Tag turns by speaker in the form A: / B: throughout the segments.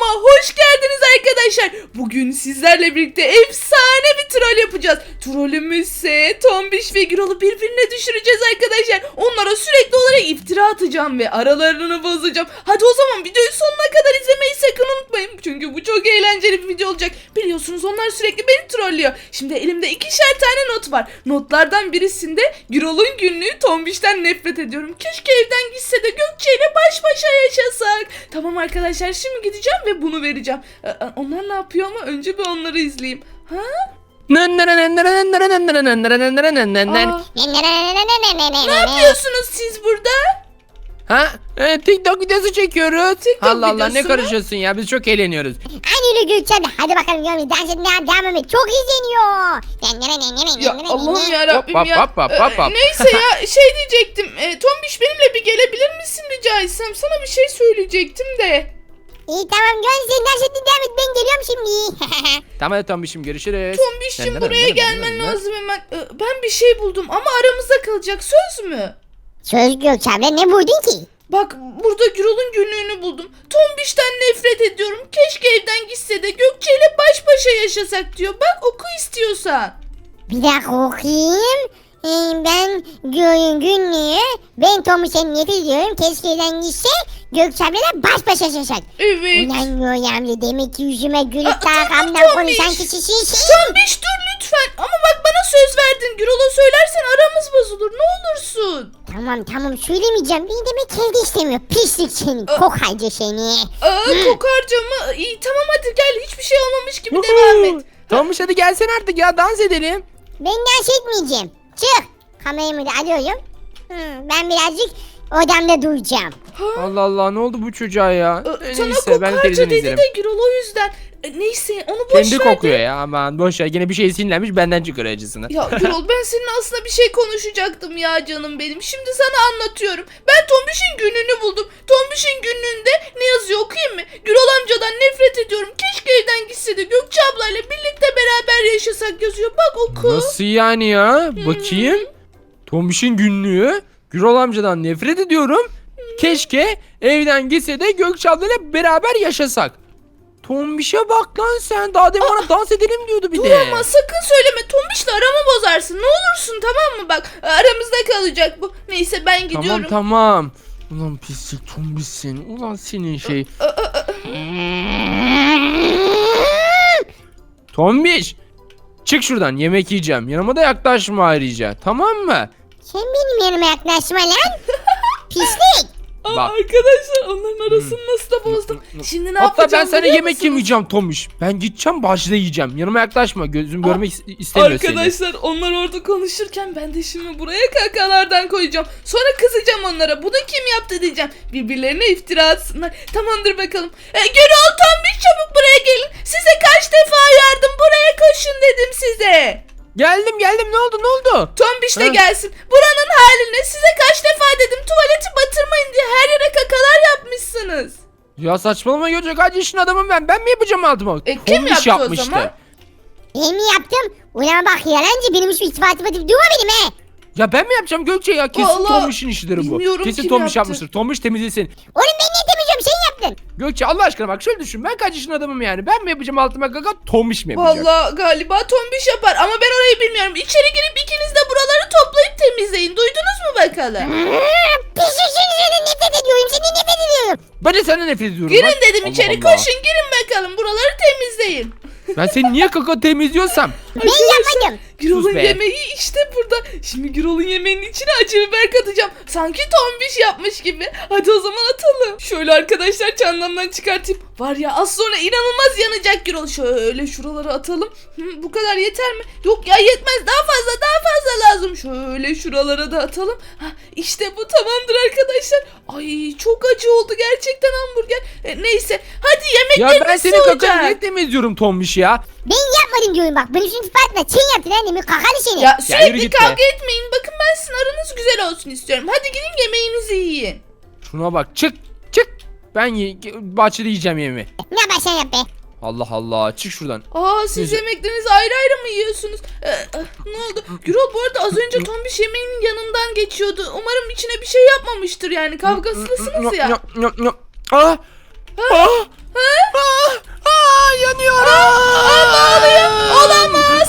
A: Hoş geldiniz arkadaşlar. Bugün sizlerle birlikte efsane bir troll yapacağız. Trollümüz ise Tombiş ve Gürol'u birbirine düşüreceğiz arkadaşlar. Onlara sürekli olarak iftira atacağım ve aralarını bozacağım. Hadi o zaman videoyu sonuna kadar izlemeyi sakın unutmayın. Çünkü bu çok eğlenceli bir video olacak. Biliyorsunuz onlar sürekli beni trollüyor. Şimdi elimde 2'şer tane not var. Notlardan birisinde Gürol'un günlüğü Tombiş'ten nefret ediyorum. Keşke evden gitse de Gökçe ile baş başa yaşasak. Tamam arkadaşlar, şimdi gideceğim ve bunu vereceğim. Onlar ne yapıyor ama önce bir onları izleyeyim. Ha? Aa, ne yapıyorsunuz siz burada?
B: Ha? TikTok videosu çekiyoruz.
A: TikTok
B: Allah Allah,
A: videosu
B: ne
A: mu?
B: karışıyorsun ya, biz çok eğleniyoruz.
C: Aynı öyle Gökçen. Hadi bakalım görmeyi. Dans etmeye devam et. Çok izleniyor.
A: Ya Allah'ım yarabbim
B: Hop,
A: ya.
B: hop, hop, hop, hop.
A: Neyse ya, şey diyecektim. Tombiş benimle bir gelebilir misin rica etsem? Sana bir şey söyleyecektim de.
C: İyi tamam Gökçen, sen dans etmeye devam et. Ben geliyorum şimdi.
B: Tamam hadi Tombiş'im, görüşürüz.
A: Tombiş'cim buraya gelmen lazım hemen. Ben bir şey buldum ama aramızda kalacak, söz mü?
C: Söz Gökçen, ne buldun ki?
A: Bak, burada Gürol'un günlüğünü buldum. Tombiş'ten nefret ediyorum. Keşke evden gitse de Gökçe ile baş başa yaşasak diyor. Bak, oku istiyorsan.
C: Bir dakika okuyayım. Ben günlüğü. Ben Tomiş'e nefret ediyorum. Keşke evden gitse Gökçen'le baş başa yaşasak.
A: Evet.
C: Ulan Gökçen, demek ki yüzüme gülüp de arkamdan
A: Tombiş.
C: konuşan kişisin sen.
A: Tombiş dur lütfen. Ama bak, bana söz verdin. Gürol'a söylersen aramız bozulur. Ne olursun.
C: Tamam söylemeyeceğim. Beni demek evde istemiyor. Pislik seni. Kokaycı seni.
A: Kokarca mı? İyi tamam, hadi gel. Hiçbir şey olmamış gibi devam et.
B: Tombiş hadi gelsene artık ya, dans edelim.
C: Ben dans etmeyeceğim. Çık. Kameramı da alıyorum. Ben birazcık odamda duracağım.
B: Allah Allah, ne oldu bu çocuğa ya?
A: Sana
B: Neyse, ben
A: kokarca
B: televizyon
A: dedi
B: izlerim.
A: de Gürol, o yüzden. Neyse, onu boş
B: Kendi
A: ver
B: kokuyor
A: de.
B: ya, aman boş ver, yine bir şey sinirlenmiş, benden çıkarıyor acısını.
A: Ya Gürol, ben seninle aslında bir şey konuşacaktım ya canım benim. Şimdi sana anlatıyorum. Ben Tombiş'in günlüğünü buldum. Tombiş'in günlüğünde ne yazıyor, okuyayım mı? Gürol amcadan nefret ediyorum. Keşke evden gitse de Gökçe ablayla birlikte beraber yaşasak yazıyor. Bak oku.
B: Nasıl yani ya? Bakayım. Tombiş'in günlüğü. Gürol amcadan nefret ediyorum. Keşke evden gitse de Gökçe ablayla beraber yaşasak. Tombiş'e bak lan sen. Daha demin bana dans edelim diyordu bir
A: Dur
B: de.
A: ama sakın söyleme. Tombiş'le aramı bozarsın. Ne olursun, tamam mı? Bak, aramızda kalacak bu. Neyse, ben gidiyorum.
B: Tamam. Ulan pislik Tombiş'sin. Ulan senin şey. Tombiş. Çık şuradan, yemek yiyeceğim. Yanıma da yaklaşma ayrıca. Tamam mı?
C: Sen benim yanıma yaklaşma lan. Pislik.
B: Bak.
A: Arkadaşlar, onların arasını nasıl da bozdum. Şimdi ne
B: Hatta
A: yapacağım
B: ben sana
A: biliyor
B: yemek
A: musunuz?
B: yemeyeceğim Tombiş. Ben gideceğim, bahçede yiyeceğim. Yanıma yaklaşma. Gözüm görmek istemiyor seni.
A: Arkadaşlar, onlar orada konuşurken ben de şimdi buraya kakalardan koyacağım. Sonra kızacağım onlara. Bunu kim yaptı diyeceğim. Birbirlerine iftira atsınlar. Tamamdır bakalım. Gürol, Tombiş, çabuk buraya gelin. Size kaç defa yardım, buraya koşun dedim size.
B: Geldim, ne oldu?
A: Tombiş de
B: Ha?
A: gelsin. Buranın haline size kaç defa dedim, tuvaleti batırmayın diye, her yere kakalar yapmışsınız.
B: Ya saçmalama Gökçe, kaç yaşın adamım ben. Ben mi yapacağım altıma?
A: Kim
B: Tombiş
A: yaptı o zaman?
C: Ben mi yaptım? Ulan bak yalancı, benim hiçbir ispatım atıp durma benim he.
B: Ya ben mi yapacağım Gökçe ya? Kesin
A: Vallahi
B: Tombiş'in işidir bu.
A: bilmiyorum
B: Kesin
A: kim
B: Tombiş
A: yaptı.
B: yapmıştır. Tombiş temizlesin.
C: Oğlum ben niye temizliyorum, sen yaptın.
B: Gökçe Allah aşkına bak, şöyle düşün. Ben kaç yaşın adamım yani? Ben mi yapacağım altıma kaka? Tombiş mi yapacak?
A: Vallahi galiba Tombiş yapar ama ben orayı bilmiyorum. İçeri girip ikiniz de buraları toplayıp temizleyin. Duydunuz mu bakalım?
C: Pislik seni nefret ediyorum, seni nefret ediyorum.
B: Ben de senden nefret ediyorum.
A: Girin
B: lan.
A: dedim,
B: Allah
A: içeri
B: Allah.
A: koşun, girin bakalım, buraları temizleyin.
B: Ben seni niye kaka temizliyorsam?
C: Ben yapmadım.
A: Gürol'un
B: Sus be.
A: yemeği işte burada. Şimdi Gürol'un yemeğinin içine acı biber katacağım. Sanki Tombiş yapmış gibi. Hadi o zaman atalım. Şöyle arkadaşlar, çantamdan çıkartayım. Var ya, az sonra inanılmaz yanacak Gürol. Şöyle şuralara atalım. Bu kadar yeter mi? Yok ya, yetmez. Daha fazla lazım. Şöyle şuralara da atalım. İşte bu tamamdır arkadaşlar. Ay, çok acı oldu gerçekten hamburger. Neyse, hadi
B: Ya
A: yemeklerimiz
B: ben senin
A: soğuyacak.
B: kakanı niye temizliyorum Tombiş ya?
C: Ben yapmadım diyorum bak. Benim şimdi ispatla sen yaptın annemin kakalı seni.
A: Ya
B: yürü
A: sürekli
B: git be.
A: kavga etmeyin. Bakın, ben sizin aranız güzel olsun istiyorum. Hadi gidin, yemeğinizi yiyin.
B: Şuna bak, çık. Ben bahçede yiyeceğim yemeğimi.
C: Ne yaparsan yap be.
B: Allah Allah, çık şuradan.
A: Siz
B: Neyse.
A: yemeklerinizi ayrı ayrı mı yiyorsunuz? Ne oldu? Gürol, bu arada az önce Tombiş yemeğinin yanından geçiyordu. Umarım içine bir şey yapmamıştır, yani kavgasızsınız ya.
B: Ah! Ah! yanıyorum.
A: Ne oluyor? Olamaz.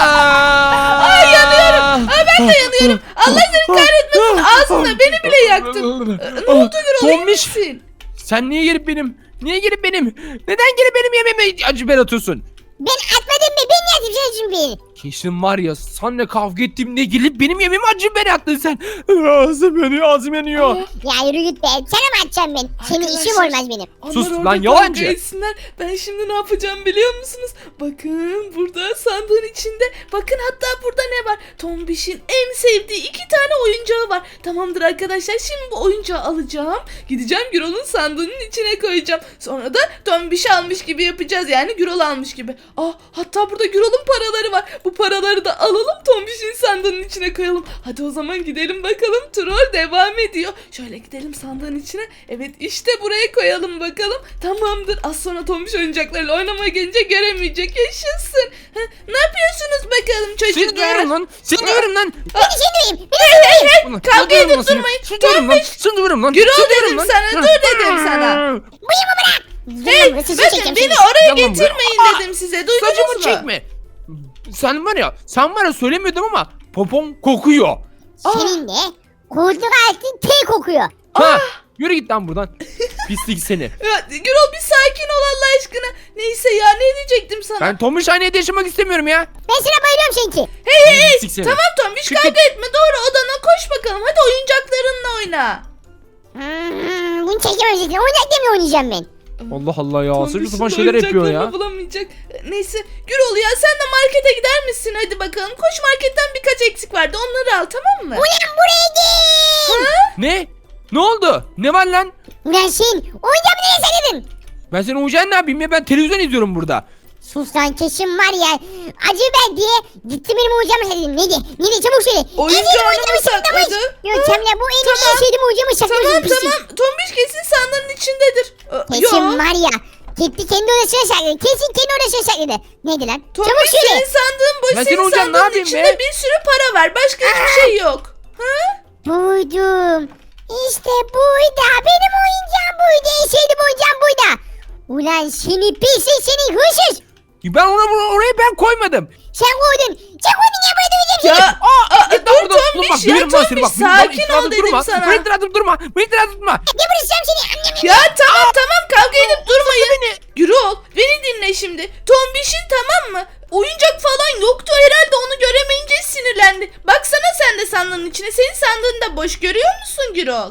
A: Ay yanıyorum. Ben de yanıyorum. Allah seni kahretmesin. Ağzında beni bile yaktın. Ne oldu Gürol? İyi
B: Tombiş.
A: misin?
B: Sen niye gelip benim? Neden gelip benim yemeğime acı biber atıyorsun?
C: Ben atmadım mı? Ben yaptım sen şimdi.
B: Kesin var ya senle kavga ettiğimde gelip benim yemeğime acı biber attın sen. Ağzım yanıyor.
C: Ya yürü git be. Sana mı atacağım ben? Senin işim
A: Arkadaşlar,
C: olmaz benim.
A: onlar
B: Sus
A: orada
B: lan,
A: kavga
B: yalancı.
A: etsinler. Ben şimdi ne yapacağım biliyor musunuz? Bakın burada sandığın içinde. Bakın hatta burada ne var? Tombiş'in en sevdiği 2 tane oyuncağı var. Tamamdır arkadaşlar. Şimdi bu oyuncağı alacağım. Gideceğim Gürol'un sandığının içine koyacağım. Sonra da Tombiş almış gibi yapacağız. Yani Gürol almış gibi. Hatta burada Gürol'un paraları var. Bu paraları da alalım Tombiş'in sandığının içine koyalım. Hadi o zaman gidelim bakalım. Troll devam ediyor. Şöyle gidelim sandığın içine. Evet işte buraya koyalım bakalım. Tamamdır. Az sonra Tombiş oyuncaklarıyla oynamaya gelince göremeyecek. Yaşasın. Ne yapıyorsunuz bakalım
B: Seni
A: çocuklar?
B: duyuyorum lan. Seni duyuyorum lan.
C: Ben de seni duyayım.
B: Ulan,
A: Kavga
B: seni duyuyorum
A: edip
B: lan seni.
A: durmayın.
B: Seni duyuyorum lan. Seni duyuyorum lan.
A: Gürol
B: Seni
A: dedim
B: duyuyorum lan.
A: sana, dur dedim sana.
C: Bıyımı bırak.
A: Hey
C: Burası
A: bakın
C: çekeceğim
A: beni
C: seni.
A: oraya
B: Gel lan buraya.
A: getirmeyin dedim size. Duydunuz
B: Saçımı
A: mu?
B: çekme. Sen var ya söylemiyordum ama popom kokuyor.
C: Senin de koltuk altın tel kokuyor.
B: Ha, yürü git lan buradan. Pislik seni.
A: Ya, Gürol bir sakin ol Allah aşkına. Neyse ya ne diyecektim sana?
B: Ben Tomuş hanede yaşamak istemiyorum ya.
C: Ben sana bayılıyorum sanki.
A: Hey
B: Pislik seni.
A: tamam Tombiş
B: Çık
A: kavga
B: git.
A: etme doğru odana koş bakalım. Hadi oyuncaklarınla oyna.
C: Bunu çekemeyeceksin. Oynayacaklarımla oynayacağım ben.
B: Allah Allah ya. Saçma
A: Tombiş'in
B: sapan şeyler yapıyor
A: oyuncaklarını
B: ya.
A: bulamayacak. Neyse Gürol ya sen de markete gider misin? Hadi bakalım koş marketten birkaç eksik vardı onları al tamam mı?
C: Ulan buraya gel.
B: Ne? Ne oldu? Ne var lan?
C: Ulan sen oyuncağımı nereye sakladın?
B: Ben senin uyuyacaksın ne yapayım ya? Ben televizyon izliyorum burada.
C: Sus lan kesin var ya. Acı ver diye gitti benim oyuncağımı sakladın. Neydi çabuk söyle.
A: Oyuncağını mı sakladı?
C: Yok Cemile bu en iyi şeydim oyuncağımı saklamış.
A: Tamam
C: pislik.
A: tamam Tombiş kesin sandığın içindedir.
C: Kesin var ya. Gitti kendi odasına sakladı. Kesin kendi odasına sakladı. Neydi lan? Çabuk
A: Tombiş
C: söyle.
A: senin sandığın boş.
B: Ben senin
A: Senin
B: oyuncağın ne
A: sandığın
B: yapayım
A: içinde
B: be?
A: bir sürü para var. Başka hiçbir şey yok. Ha?
C: Buydum. İşte buydu. Benim oyuncağım buydu. En sevdiğim oyuncağım buydu. Ulan seni pislik seni hırsız.
B: Ben orayı ben koymadım.
C: Sen koydun. Sen koydun ya buraya döveceğim seni.
A: Ya dur
B: Dur,
A: Tombiş
B: dur,
A: ya
B: bak, benim
A: Tombiş
B: bak,
A: sakin
B: benim
A: ol dedim
B: durma.
A: sana.
B: Beni itiratıp durma. Beni itiratıp durma.
C: Geberteceğim seni.
A: Ya tamam kavga edip durmayın. Gürol beni dinle şimdi. Tombiş'in tamam mı? Oyuncak falan yoktu herhalde onu göremeyince sinirlendi. Baksana sen de sandığın içine. Senin sandığını da boş görüyor musun Gürol?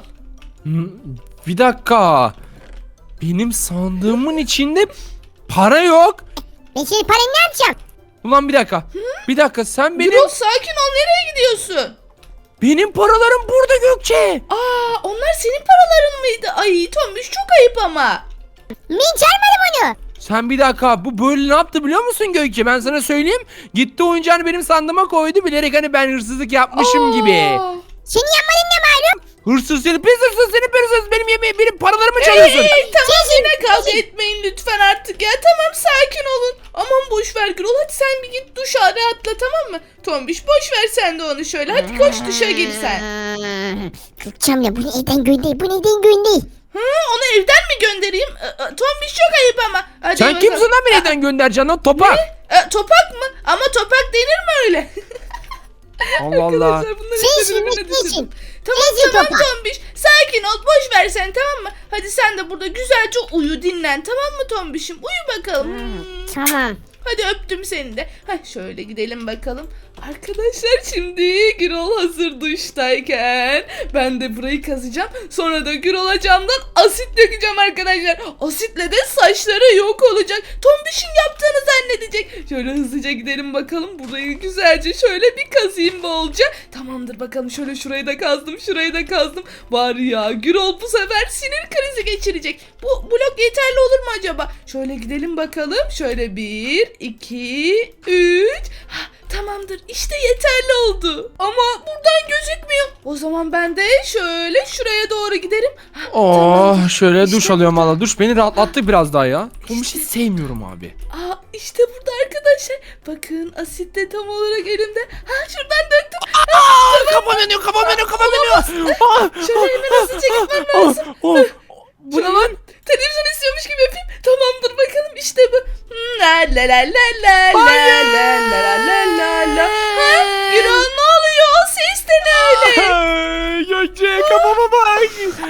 B: Bir dakika. Benim sandığımın içinde para yok.
C: Ben senin paranı ne yapacağım?
B: Ulan bir dakika. Bir dakika sen
A: Gürol sakin ol nereye gidiyorsun?
B: benim paralarım burada Gökçe.
A: Onlar senin paraların mıydı? Ay Tombiş çok ayıp ama.
C: Ben çalmadım onu.
B: Sen bir dakika bu böyle ne yaptı biliyor musun Gökçe? Ben sana söyleyeyim. Gitti oyuncağını benim sandığıma koydu bilerek hani ben hırsızlık yapmışım gibi.
C: Senin yapmadığın ne malum?
B: Hırsız seni pis hırsız seni pis hırsız benim yemeği benim paralarımı çalıyorsun.
A: Tamam yine kavga etmeyin lütfen artık ya. Tamam sakin olun. Aman boş ver Gürol hadi sen bir git duşa rahatla tamam mı? Tombiş boş ver sen de onu şöyle. Hadi koş duşa gir sen.
C: Gökçem ya bu neden gönder? Bu neden gönder?
A: Onu evden mi göndereyim? Tombiş çok ayıp ama. Hadi
B: Sen
A: bakalım.
B: kimsin lan beni evden göndereceksin lan topak.
A: Topak mı? Ama topak denir mi öyle?
B: Allah Allah.
A: Arkadaşlar bunları
C: Sen
A: işte birbirine
C: şimdi
A: düşürdüm.
C: niçin?
A: Tamam
C: Neyse
A: tamam
C: topak.
A: Tombiş. Sakin ol boş ver sen tamam mı? Hadi sen de burada güzelce uyu dinlen tamam mı Tombiş'im? Uyu bakalım.
C: Tamam.
A: Hadi öptüm seni de. Şöyle gidelim bakalım. Arkadaşlar şimdi Gürol hazır duştayken ben de burayı kazacağım. Sonra da Gürol'a camdan asit dökeceğim arkadaşlar. Asitle de saçları yok olacak. Tombiş'in yaptığını zannedecek. Şöyle hızlıca gidelim bakalım. Burayı güzelce şöyle bir kazayım bolca. Tamamdır bakalım şöyle şurayı da kazdım. Şurayı da kazdım. Var ya Gürol bu sefer sinir krizi geçirecek. Bu blok yeterli olur mu acaba? Şöyle gidelim bakalım. Şöyle 1, 2, 3. Tamamdır işte yeterli oldu. Ama buradan gözükmüyor. O zaman ben de şöyle şuraya doğru giderim.
B: Oh şöyle
A: İşte
B: duş alıyorum valla. Duş beni rahatlattı biraz daha ya.
A: İşte.
B: Hiç sevmiyorum abi.
A: İşte burada arkadaşlar. Bakın asit de tam olarak elimde. Şuradan döktüm.
B: Kafam yanıyor kafam yanıyor kafam yanıyor.
A: Şöyle hemen hızlıca gitmem lazım.
B: Bu ne lan?
A: Televizyon istiyormuş gibi yapayım. Tamamdır bakalım işte bu. La la la la la la la la la la la. Ha, Gürol ne oluyor? O ses de ne öyle?
B: Ay, Gökçe kafama bak.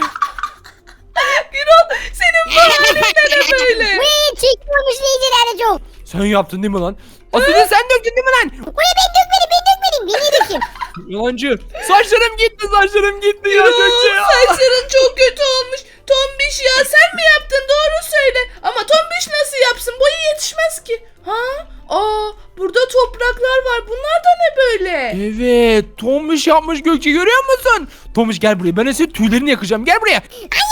A: Gürol senin bu halin de ne böyle?
C: Buraya çıkmamış neyceler çok.
B: Sen yaptın değil mi lan? Aslında sen döktün değil mi lan?
C: Buraya ben dökmedim. Ben niye dökeyim?
B: Yalancı. Saçlarım gitti ya
A: Gürol
B: Gökçe ya.
A: saçların çok kötü olmuş. Tombiş ya sen mi yaptın? Doğru söyle. Ama Tombiş nasıl yapsın? Boyu yetişmez ki. Ha? Burada topraklar var. Bunlar da ne böyle?
B: Evet, Tomuş yapmış Gökçe görüyor musun? Tomuş gel buraya. Ben senin tüylerini yakacağım. Gel buraya.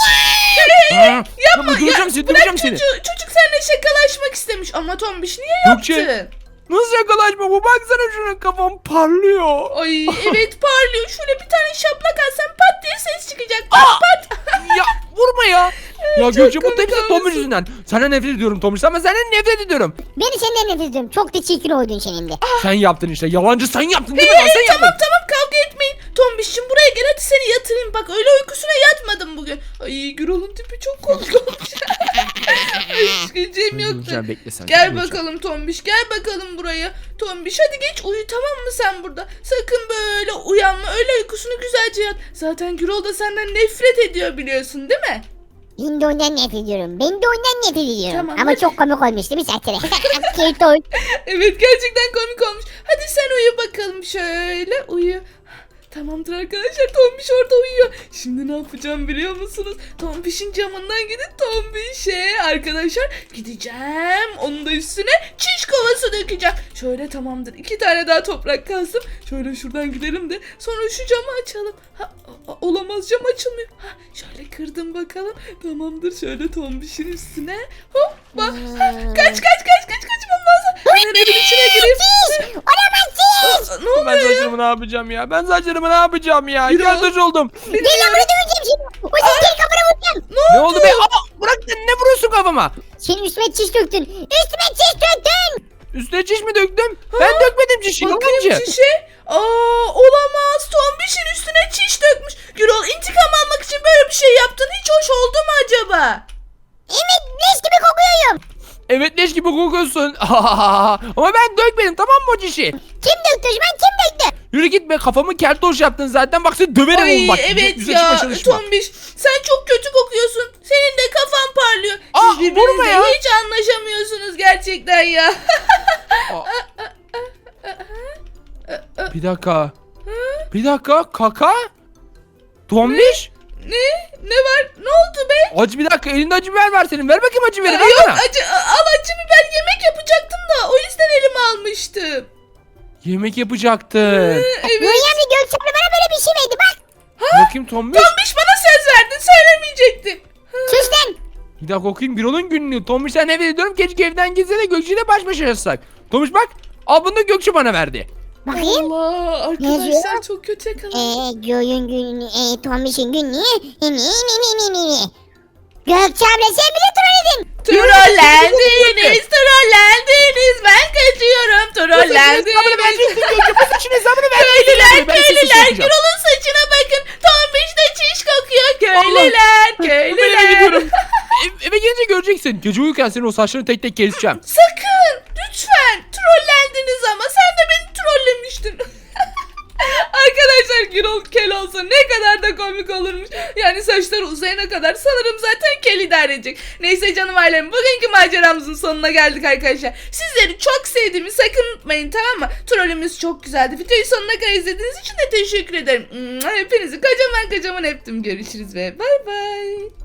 B: Yapma. Öldüreceğim seni. Öldüreceğim seni.
A: Çocuk seninle şakalaşmak istemiş. Ama Tombiş niye
B: Gökçe.
A: yaptın?
B: Nasıl yakalaşma bu? Baksana şuna kafam parlıyor.
A: Ay evet parlıyor. Şöyle bir tane şaplak atsan pat diye ses çıkacak. Pat pat.
B: Ya vurma ya. Ya
A: Çok
B: Gökçe bu
A: komik
B: hepsi Tomuş
A: olmuşsun.
B: yüzünden. Senden nefret ediyorum Tomuş ama senden nefret ediyorum.
C: Beni senden nefret ediyorum. Çok da çirkin oldun senin de.
B: Sen yaptın işte. Yalancı sen yaptın değil mi lan? Sen
A: Tamam
B: yaptın.
A: tamam kavga etmeyin. Tombiş'cim buraya gel hadi seni yatırayım. Bak öyle uykusuna yatmadım bugün. Ay Gürol'un tipi çok komik olmuş. Ay hiç güleceğim yoktu.
B: Öldüreceğim, bekle sen.
A: Gel
B: Öldüreceğim.
A: bakalım Tombiş gel bakalım buraya. Tombiş hadi geç uyu tamam mı sen burada? Sakın böyle uyanma öyle uykusunu güzelce yat. Zaten Gürol da senden nefret ediyor biliyorsun değil mi?
C: Ben de ondan nefret ediyorum. Ben de ondan nefret ediyorum.
A: Tamam,
C: Ama
A: hadi.
C: çok komik olmuş değil mi Sertere? Keyifli oyun.
A: Evet gerçekten komik olmuş. Hadi sen uyu bakalım şöyle uyu. Tamamdır arkadaşlar Tombiş orada uyuyor. Şimdi ne yapacağım biliyor musunuz? Tombiş'in camından gidip Tombiş'e arkadaşlar gideceğim. Onun da üstüne çiş kovası dökeceğim. Şöyle tamamdır. 2 tane daha toprak kazdım. Şöyle şuradan gidelim de sonra şu camı açalım. Olamaz cam açılmıyor. Şöyle kırdım bakalım. Tamamdır şöyle Tombiş'in üstüne. Hoppa. Kaç kaçmam lazım. Hemen evin içine gireyim.
C: Olamazsın.
A: Ne oluyor
B: Ben
A: ya?
B: saçlarımı ne yapacağım ya? Ben saçlarımı ne yapacağım ya?
A: Yürü.
B: Kardeş oldum.
C: Gel lan buraya döveceğim şimdi. O seni kafana vuracağım.
B: Ne oldu be? Aa, bırak sen ne vuruyorsun kafama?
C: Senin üstüme çiş döktün. Üstüme çiş döktün.
B: Üstüne çiş mi döktüm? Ben dökmedim çişi.
A: Bakayım
B: Yalancı.
A: çişe. Olamaz. Tombiş'in üstüne çiş dökmüş. Gürol intikam almak için böyle bir şey yaptın. Hiç hoş oldu mu acaba?
C: Evet leş gibi kokuyorum.
B: Evet leş gibi kokuyorsun. Ama ben dökmedim tamam mı o çişi?
C: Kim döktü o zaman kim döktü?
B: Yürü git be kafamı keltoş yaptın zaten. Bak seni döverim
A: Ay
B: oğlum bak.
A: evet
B: Yüze çıkma
A: ya
B: çalışma.
A: Tombiş sen çok kötü kokuyorsun. Senin de kafan parlıyor.
B: Aa,
A: Siz
B: vurma
A: birbirinizle
B: ya.
A: hiç anlaşamıyorsunuz gerçekten ya.
B: Bir dakika. Bir dakika kaka. Tombiş.
A: Ne var? Ne oldu be?
B: Acı bir dakika elinde acı biber var senin. Ver bakayım acı biberi ver
A: Yok
B: bana.
A: acı biber yemek yapacaktım da o yüzden elime almıştım.
B: Yemek yapacaktın.
A: Evet.
C: Nuri Gökçen'le bana böyle bir şey verdi bak.
B: Bakayım Tombiş.
A: Tombiş bana söz verdin söylemeyecektin.
C: Sus lan.
B: Bir dakika okuyayım Birol'un günlüğü. Tombiş sen eve ediyorum. Keşke evden gitse de Gökçe ile baş başa yaşasak. Tombiş bak. Al bunu da Gökçe bana verdi.
C: Bakayım.
A: Allah arkadaşlar
C: yazıyor?
A: çok kötü yakaladım.
C: Göğün günü, Tombiş'in günlüğü. Gökçe abla sen bile trolledin.
A: Trollendiniz ben kaçıyorum trollendiniz.
B: Bu saçın hesabını ver.
A: Köylüler Gürol'un saçına bakın Tombiş de çiş kokuyor köylüler
B: Eve gelince göreceksin. Gece uyurken senin o saçlarını tek tek keseceğim.
A: Sakın lütfen trollendiniz ama sen de beni trollemiştin. Arkadaşlar Gürol kel olsa ne kadar da komik olurmuş. Yani saçları uzayana kadar sanırım zaten kel idare edecek. Neyse canım ailem bugünkü maceramızın sonuna geldik arkadaşlar. Sizleri çok sevdiğimi sakın unutmayın tamam mı? Trollümüz çok güzeldi. Videoyu sonuna kadar izlediğiniz için de teşekkür ederim. Hepinizi kocaman öptüm. Görüşürüz ve bay bay.